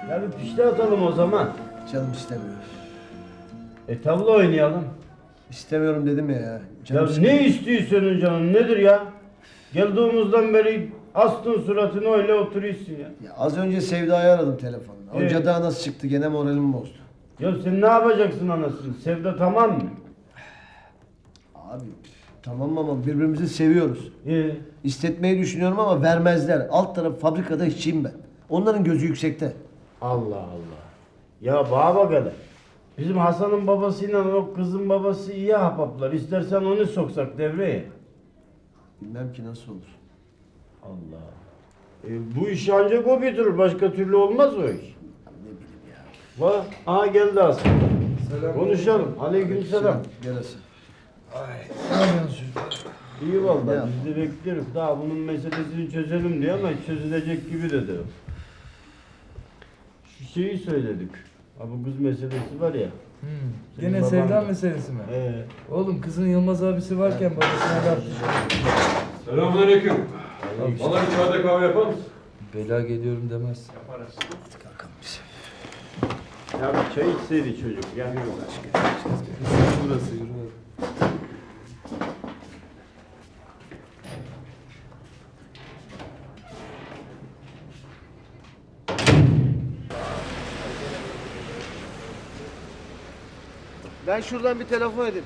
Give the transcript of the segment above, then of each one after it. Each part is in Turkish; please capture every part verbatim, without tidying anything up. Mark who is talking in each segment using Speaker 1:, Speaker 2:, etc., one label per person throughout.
Speaker 1: Ya bir pişti atalım o zaman.
Speaker 2: Canım istemiyor.
Speaker 1: E tavla oynayalım.
Speaker 2: İstemiyorum dedim ya. ya. Canım
Speaker 1: Ya
Speaker 2: sıkılıyor.
Speaker 1: ne istiyor senin canın nedir ya? Geldiğimizden beri astın suratını öyle oturuyorsun ya.
Speaker 2: Ya az önce Sevda'yı aradım telefonla. O
Speaker 1: Ee?
Speaker 2: cadı nasıl çıktı gene moralimi bozdu.
Speaker 1: Ya sen ne yapacaksın anasını? Sevda tamam mı?
Speaker 2: Abi tamam ama birbirimizi seviyoruz.
Speaker 1: Ee,
Speaker 2: İstetmeyi düşünüyorum ama vermezler. Alt taraf fabrikada işçiyim ben. Onların gözü yüksekte.
Speaker 1: Allah Allah. Ya bana bak hele. Bizim Hasan'ın babasıyla o kızın babası iyi ahbaplar. İstersen onu soksak devreye.
Speaker 2: Bilmem ki nasıl olur.
Speaker 1: Allah. E, bu iş ancak o götürür. Başka türlü olmaz o iş.
Speaker 2: Ya ne bileyim ya.
Speaker 1: Bak, aha geldi Hasan.
Speaker 3: Selam.
Speaker 1: Konuşalım. Aleykümselam.
Speaker 2: Gel Hasan.
Speaker 3: Ne yapıyorsunuz çocuklar?
Speaker 1: İyi
Speaker 2: Ne
Speaker 1: vallahi
Speaker 2: yap-
Speaker 1: biz de bekliyoruz. Daha bunun meselesini çözelim diye ama hiç çözülecek gibi de değil. Şu şeyi söyledik. Ha bu kız meselesi var ya.
Speaker 3: Hmm.
Speaker 1: Senin
Speaker 3: Gene
Speaker 1: baban
Speaker 3: sevda
Speaker 1: da.
Speaker 3: meselesi mi?
Speaker 1: Ee,
Speaker 3: Oğlum kızın Yılmaz abisi varken babasına laf düşüyor.
Speaker 4: Selamünaleyküm. Bana bir çayda kahve yapar mısın?
Speaker 3: Bela geliyorum demez.
Speaker 2: Kalkalım biz.
Speaker 1: ya bir çay içseydi çocuk. Yani
Speaker 3: Burası yürü.
Speaker 2: Ben şuradan bir telefon edeyim.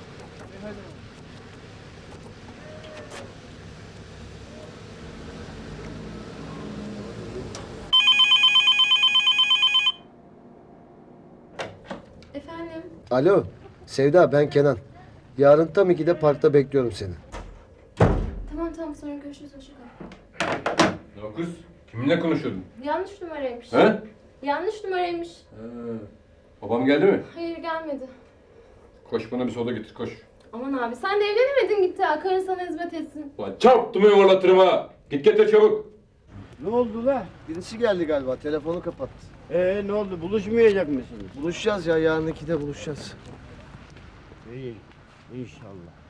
Speaker 5: Efendim?
Speaker 2: Alo. Sevda ben Kenan. Yarın tam ikide parkta bekliyorum seni.
Speaker 5: Tamam tamam sonra görüşürüz hoşça kal.
Speaker 4: Ne o kız? Kiminle konuşuyordun?
Speaker 5: Yanlış numaraymış.
Speaker 4: He?
Speaker 5: Yanlış numaraymış.
Speaker 4: He. Babam geldi mi?
Speaker 5: Hayır gelmedi.
Speaker 4: Koş bana bir soda getir koş.
Speaker 5: Aman abi sen de evlenemedin gitti ha. Karın sana hizmet etsin.
Speaker 4: Ulan çarptım yuvarlatırım ha. Git getir çabuk.
Speaker 1: ne oldu la?
Speaker 2: Birisi geldi galiba. Telefonu kapattı.
Speaker 1: Ee ne oldu? Buluşmayacak mısınız?
Speaker 2: Buluşacağız ya. Yarın ikide buluşacağız.
Speaker 1: İyi. İnşallah.